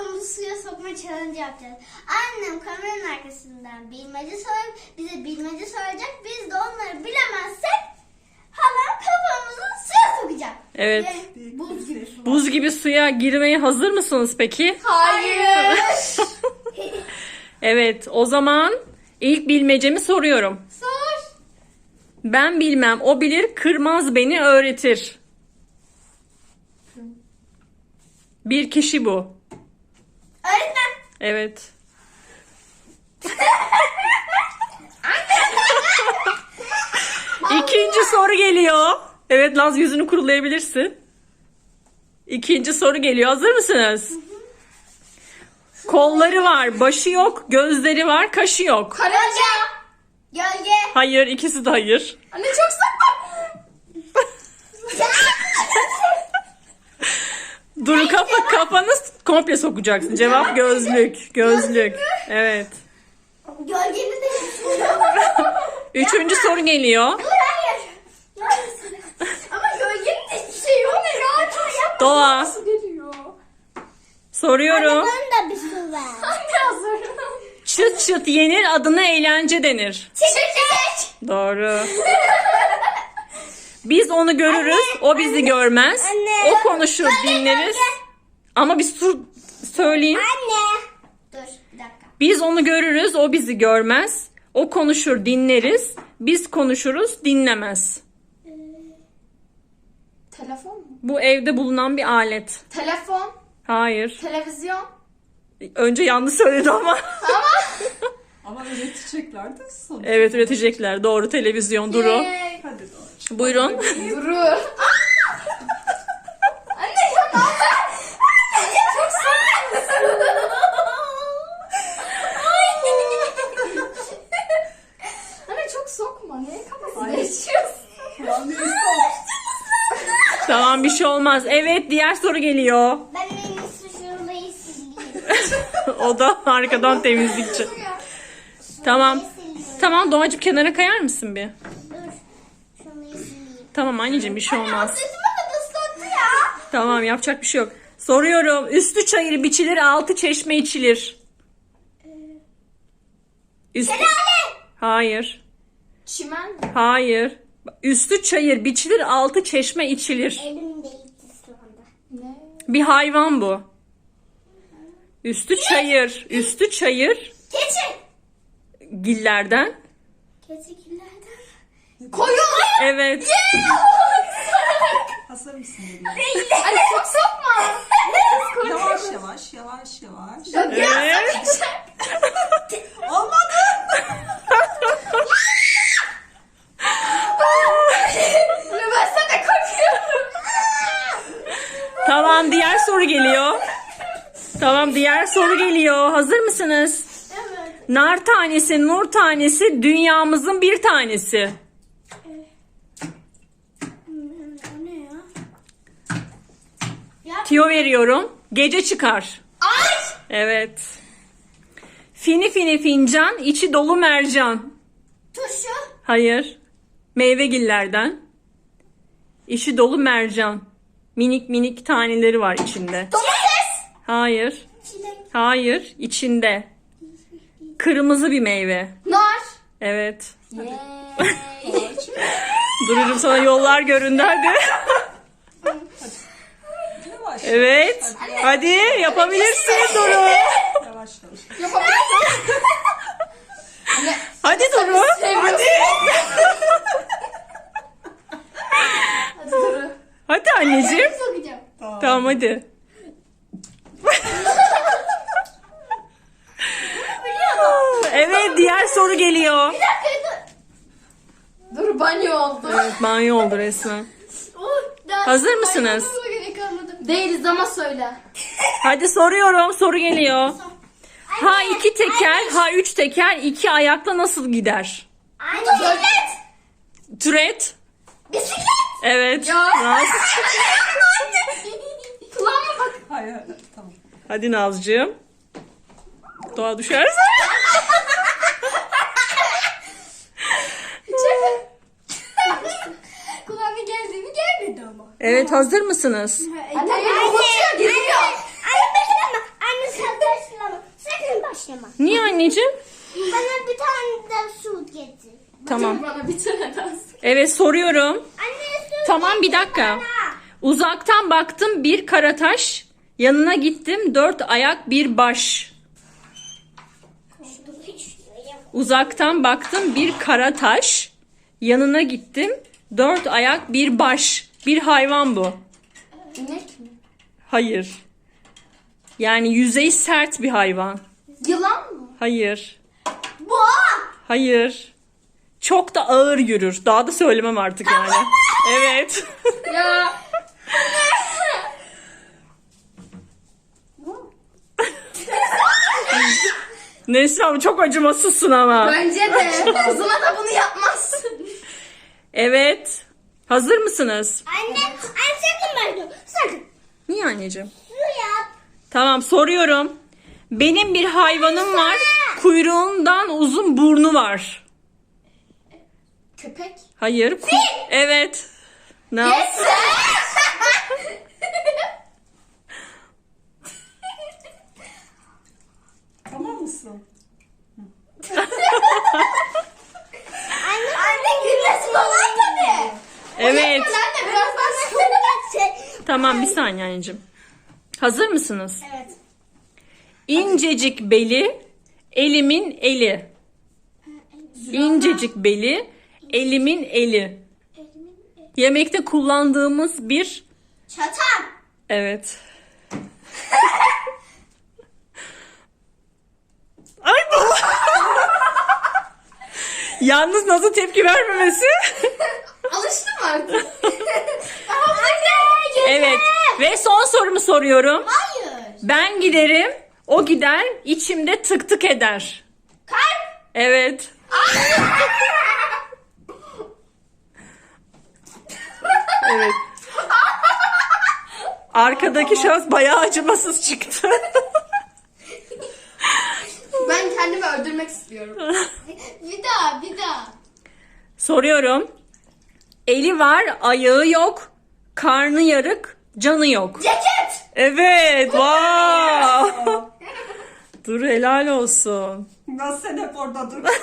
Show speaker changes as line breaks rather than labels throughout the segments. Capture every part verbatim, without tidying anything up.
kafamızı suya sokma challenge yapacağız. Annem kameranın arkasından bilmece sorup bize bilmece soracak. Biz de onları bilemezsek halam kafamızı suya sokacak.
Evet.
Ve buz gibi su.
Buz gibi suya girmeye hazır mısınız peki?
Hayır.
Evet, o zaman ilk bilmecemi soruyorum.
Sor.
Ben bilmem, o bilir, kırmaz beni öğretir. Bir kişi bu.
Öğretmen.
Evet. İkinci soru geliyor. Evet, Naz, yüzünü kurulayabilirsin. İkinci soru geliyor. Hazır mısınız? Kolları var, başı yok, gözleri var, kaşı yok.
Karınca. Gölge.
Hayır, ikisi de hayır.
Anne çok sakla.
Dur, kafa kafanı komple sokacaksın. Cevap gözlük. Gözlük. Evet.
Gölgenin de hiçbir şey yok.
Üçüncü soru geliyor.
Dur hayır. Ama gölgenin de hiçbir şey yok. Ne rahat ol yapma.
Doğa.
Nasıl geliyor?
Soruyorum.
da bir su ver. Anne hazırım.
Çıt çıt yenir, adına eğlence denir.
Çekecek.
Doğru. Biz onu görürüz, o bizi görmez.
Anne.
O konuşur, dinleriz. Ama bir sur söyleyeyim.
Anne. Dur bir dakika.
Biz onu görürüz, o bizi görmez. O konuşur, dinleriz. Biz konuşuruz, dinlemez.
Telefon mu?
Bu evde bulunan bir alet.
Telefon,
Hayır.
televizyon.
Önce yanlış söyledi ama.
Ama üretecekler de sonuç.
Evet, üretecekler. Doğru, televizyon. Duru.
Yay.
Hadi Doğaçım.
Buyurun.
Duru. Anne ya ne haber? Anne çok saçmalısın. Anne çok sokma. Neye kafasını
Hayır.
yaşıyorsun?
Kulağını üstü
Tamam, bir şey olmaz. Evet, diğer soru geliyor.
Ben en iyisi şurayı sileyim.
O da arkadan temizlikçi. Tamam. Tamam, Doğacığım, kenara kayar mısın bir?
Dur. Şurayı sileyim.
Tamım anneciğim, bir şey olmaz.
Atletime de ıslattı ya.
Tamam, yapacak bir şey yok. Soruyorum. Üstü çayır biçilir, altı çeşme içilir. Üstü... Hayır.
Çimen.
Hayır. Üstü çayır biçilir, altı çeşme içilir.
Elim değil ıslandı.
Ne?
Bir hayvan bu. Üstü çayır. Üstü çayır.
Keçi.
Gillerden.
Keçilerden.
Koyun.
Evet.
Hazır mısın bebeğim?
Anne çok sokma.
Yavaş yavaş yavaş yavaş.
Evet.
Olmadı.
Anne ben sana korkuyorum.
Tamam, diğer soru geliyor. Tamam, diğer soru geliyor. Hazır mısınız?
Evet.
Nar tanesi, nur tanesi, dünyamızın bir tanesi.
O ne ya? Ya
Tiyo veriyorum. Gece çıkar.
ay.
Evet. Fini fini fincan, içi dolu mercan.
Turşu.
Hayır. Meyvegillerden. İçi dolu mercan. Minik minik taneleri var içinde.
Domates.
Hayır.
Çilek.
Hayır. İçinde. Kırmızı bir meyve.
Nar.
Evet.
Yay.
Dururum, sana yollar göründü, hadi.
Yavaş.
Evet. Hadi yapabilirsin Duru.
Yavaş yavaş.
Yapabilirsin. Anne.
Hadi Duru.
Hadi. Hadi Duru.
Hadi anneciğim.
Sokacağım.
Tamam, hadi. Evet, diğer soru geliyor.
Bir dakika dur.
Dur banyo oldu.
Evet, banyo oldu resmen.
Oh, daha
Hazır mısınız?
yapmama gerek kalmadı.
Değiliz ama söyle.
Hadi soruyorum, soru geliyor. Ha iki teker, ha üç teker, iki ayakla nasıl gider?
Anne. Bisiklet.
Türet.
Bisiklet.
Evet.
Ya.
Naz.
Kulağıma bak.
Hayır hayır tamam.
Hadi Nazcığım. Doğa düşerse.
Kulağına geldi mi gelmedi ama.
Evet, hazır mısınız?
Anne beni korkutuyor. Geliyor.
Anne bekle ama. Anne
Niye anneciğim?
Bana bir tane de su getir.
Tamam.
Bana bir tane daha.
Evet soruyorum.
Anne su
Tamam bir dakika. Uzaktan baktım bir kara taş. Yanına gittim dört ayak bir baş. Uzaktan baktım bir kara taş. Yanına gittim dört ayak bir baş. Bir hayvan bu.
İnek mi?
Hayır. Yani yüzeyi sert bir hayvan.
Yılan mı?
Hayır.
Boğa.
Hayır. Çok da ağır yürür. Daha da söylemem artık yani. Evet.
Ya.
Neslihan çok acımasızsın ama.
Bence de. Kızına da bunu yapmazsın.
Evet. Hazır mısınız?
Anne, anne sakın ben sakın.
Niye anneciğim?
Su yap.
Tamam soruyorum. Benim bir hayvanım var. Kuyruğundan uzun burnu var.
Köpek.
Hayır. Ku- Evet. Ne yap-
Yes.
Tamam mısın?
Anne, anne gülmesi kolay tabii.
Evet.
Sen de birazdan
Tamam bir saniye anneciğim. Hazır mısınız?
Evet.
İncecik beli, elimin eli. İncecik beli, elimin eli. Yemekte kullandığımız bir...
Çatal.
Evet. Ay bu. Yalnız nasıl tepki vermemesi?
alıştım artık.
Anne,
Evet. Ve son sorumu soruyorum.
Hayır.
Ben giderim, o gider, içimde tık tık eder.
Kalp.
Evet. Evet. Arkadaki şahıs bayağı acımasız çıktı.
Ben kendimi öldürmek istiyorum.
Bir daha, bir daha.
Soruyorum. Eli var, ayağı yok. Karnı yarık, canı yok.
Ceket.
Evet. Wow. Dur helal olsun.
Nasıl sen hep orada dur.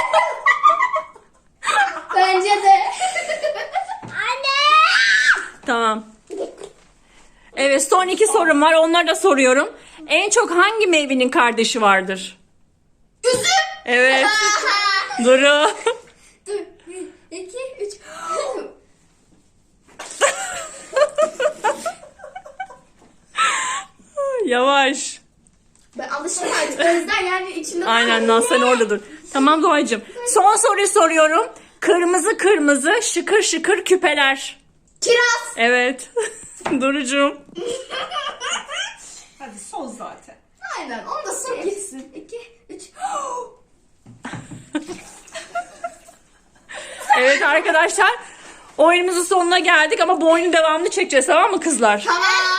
Bence de.
Anne.
Tamam. Evet son iki sorum var. Onları da soruyorum. En çok hangi meyvenin kardeşi vardır?
Üzüm.
Evet. Duru.
Dur. Bir, iki, üç.
Yavaş.
Ben alıştım artık. O yüzden yani içimde...
Aynen Naz sen orada dur. Tamam Doğacığım. Son soruyu soruyorum. Kırmızı kırmızı şıkır şıkır küpeler.
Kiraz.
Evet. Durucuğum.
Hadi son zaten.
Aynen. Onu da son gitsin. İki, üç.
Evet arkadaşlar. Oyunumuzun sonuna geldik ama bu oyunun devamını çekeceğiz tamam mı kızlar?
Tamam.